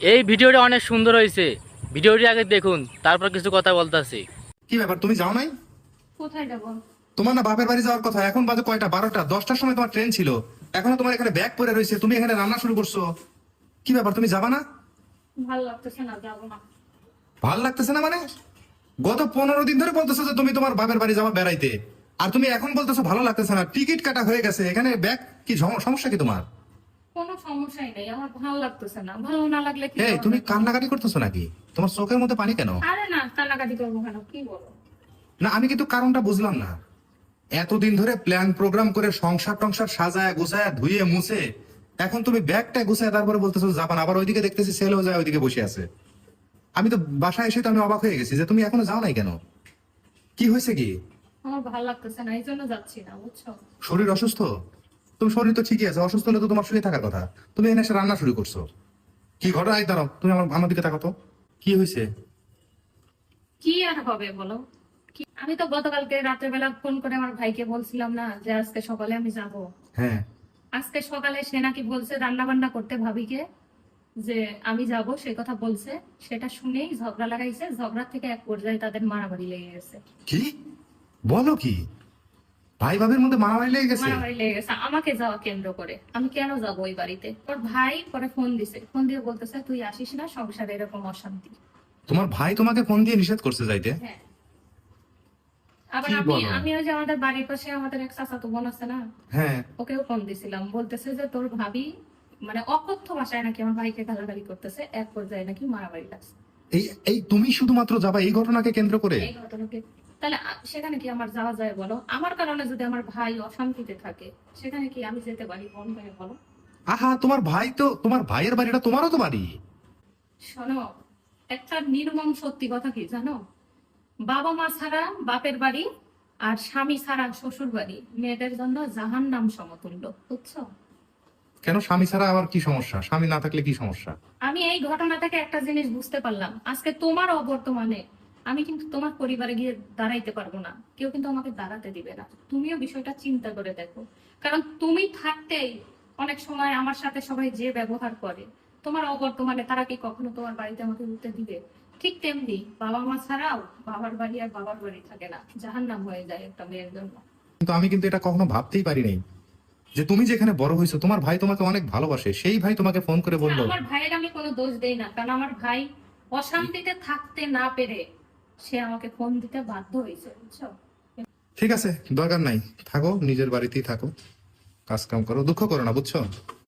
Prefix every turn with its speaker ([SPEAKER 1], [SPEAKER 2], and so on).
[SPEAKER 1] এই ভিডিওটা অনেক সুন্দর হয়েছে। ভিডিওটি আগে দেখুন, তারপর কিছু কথা বলতেছি।
[SPEAKER 2] কি ব্যাপার, তুমি যাও নাই?
[SPEAKER 3] কোথায় যাবো?
[SPEAKER 2] তোমার না বাপের বাড়ি যাওয়ার কথা, এখন বাজে কয়টা? 12টা, 10টার সময় তোমার ট্রেন ছিল, এখনো তোমার এখানে ব্যাগ পরে রয়েছে, তুমি এখানে রান্না শুরু করছো। কি ব্যাপার, তুমি যাবা না?
[SPEAKER 3] ভালো লাগতেছে না, যাবো না।
[SPEAKER 2] ভাল লাগতেছে না মানে? গত 15 দিন ধরে বলতেছো যে তুমি তোমার বাপের বাড়ি যাওয়া বেড়াইতে, আর তুমি এখন বলতেছো ভালো লাগতেছে না। টিকিট কাটা হয়ে গেছে, এখানে ব্যাগ কি সমস্যা কি তোমার?
[SPEAKER 3] কোনো সমস্যাই নেই, আমার ভালো লাগতেছে না। ভালো না লাগলে কি
[SPEAKER 2] এই
[SPEAKER 3] করবো?
[SPEAKER 2] তুমি কান্নাকাটি করতেছো নাকি? তোমার চোখের মধ্যে পানি কেন?
[SPEAKER 3] আরে না, কান্নাকাটি করবো কেন, কি বলো?
[SPEAKER 2] না, আমি কিন্তু কারণটা বুঝলাম না। এতদিন ধরে প্ল্যান প্রোগ্রাম করে সংসার টংসার সাজায় গুছায় ধুয়ে মুছে, এখন তুমি ব্যাগটা গুছায় তারপরে বলতেছো জাপান, আবার ওইদিকে দেখতেছি সেলও যায় ওইদিকে বসে আছে। আমি তো বাসায় এসে তো আমি অবাক হয়ে গেছি যে তুমি এখনো যাও নাই কেন। কি হয়েছে কি?
[SPEAKER 3] আমার ভালো লাগতেছে না, এই জন্য যাচ্ছি না, বুঝছো?
[SPEAKER 2] শরীর অসুস্থ? তুমি শরীর তো ঠিকই আছে, অসুস্থ হলে তো তোমার শুয়ে থাকার কথা। তুমি এনে এসে রান্না শুরু করছো, কি ঘটনা? এই দাঁড়াও, তুমি আমার আমার দিকে তাকাও তো, কি হয়েছে?
[SPEAKER 3] কি আর হবে বলো? কি, আমি তো গতকালকে রাতের বেলা ফোন করে আমার ভাইকে বলছিলাম না যে আজকে সকালে আমি যাব।
[SPEAKER 2] হ্যাঁ।
[SPEAKER 3] আজকে সকালে সে নাকি বলছে রান্না বান্না করতে ভাবিকে, যে আমি যাব সেই কথা বলছে। সেটা শুনেই ঝগড়া লাগাইছে, ঝগড়া থেকে এক পর্যায়ে তাদের মারামারি লেগে গেছে।
[SPEAKER 2] কি বলো কি? ভাই ভাবির মধ্যে মারামারি লেগে গেছে?
[SPEAKER 3] মারামারি লেগে গেছে আমাকে যাওয়া কেন্দ্র করে। আমি কেন যাবো ওই বাড়িতে? ওর ভাই পরে ফোন দিছে, ফোন দিয়ে বলতেছে তুই আসিস না, সংসারে এরকম অশান্তি।
[SPEAKER 2] তোমার ভাই তোমাকে ফোন দিয়ে নিষেধ করছে যাইতে?
[SPEAKER 3] হ্যাঁ। আবার
[SPEAKER 2] কি
[SPEAKER 3] আমি
[SPEAKER 2] বলো?
[SPEAKER 3] আমি ওই যে আমাদের বাড়ির পাশে আমাদের এক চাচাতো বোন আছে না,
[SPEAKER 2] হ্যাঁ।
[SPEAKER 3] ওকেও ফোন দিছিলাম, বলতেছে যে তোর ভাবি মানে অকথ্য ভাষায় নাকি আমার ভাইকে গালাগালি করতেছে, এক পর্যায়ে নাকি মারামারি লাগছে।
[SPEAKER 2] এই এই তুমি শুধুমাত্র যাবা এই ঘটনাকে কেন্দ্র করে?
[SPEAKER 3] এই ঘটনাকে তাহলে সেখানে কি আমার যাওয়া যায় বলো? আমার কারণে যদি আমার ভাই অশান্তিতে থাকে, সেখানে কি আমি যেতে পারি মন করে বলো?
[SPEAKER 2] আহা, তোমার ভাই তো, তোমার ভাইয়ের বাড়িটা তোমারও তো বাড়ি।
[SPEAKER 3] শোনো, একটা নির্মম সত্যি কথা কি জানো? বাবা মা ছাড়া বাপের বাড়ি আর স্বামী ছাড়া শ্বশুর বাড়ি মেয়েদের জন্য জাহান্নাম সমতুল্য, বুঝছো?
[SPEAKER 2] কেন, স্বামী ছাড়া আবার কি সমস্যা? স্বামী না থাকলে কি সমস্যা?
[SPEAKER 3] আমি এই ঘটনা থেকে একটা জিনিস বুঝতে পারলাম, আজকে তোমার অবর্তমানে আমি কিন্তু তোমার পরিবারে গিয়ে দাঁড়াইতে পারবো না, কেউ কিন্তু আমাকে দাঁড়াতে দিবে না। তুমিও বিষয়টা চিন্তা করে দেখো, কারণ তুমি থাকতেই অনেক সময় আমার সাথে সবাই যে ব্যবহার করে, তোমার অবর্তমানে তারা কি কখনো তোমার বাড়িতে আমাকে উঠতে দিবে? ঠিক তেমনি বাবা মা ছাড়াও বাবার বাড়ি আর বাবার বাড়ি থাকে না, জাহান্নাম হয়ে যায় একটা মেয়ের জন্য।
[SPEAKER 2] কিন্তু আমি কিন্তু এটা কখনো ভাবতেই পারি নাই যে তুমি যেখানে বড় হয়েছো, তোমার ভাই তোমাকে অনেক ভালোবাসে, সেই ভাই তোমাকে ফোন করে বললো।
[SPEAKER 3] আমার ভাইয়ের আমি কোনো দোষ দেই না, কারণ আমার ভাই অশান্তিতে থাকতে না পেরে সে আমাকে ফোন দিতে বাধ্য হয়েছে, বুঝছো?
[SPEAKER 2] ঠিক আছে, দরকার নাই, থাকো নিজের বাড়িতেই থাকো, কাজ কাম করো, দুঃখ করো না, বুঝছো?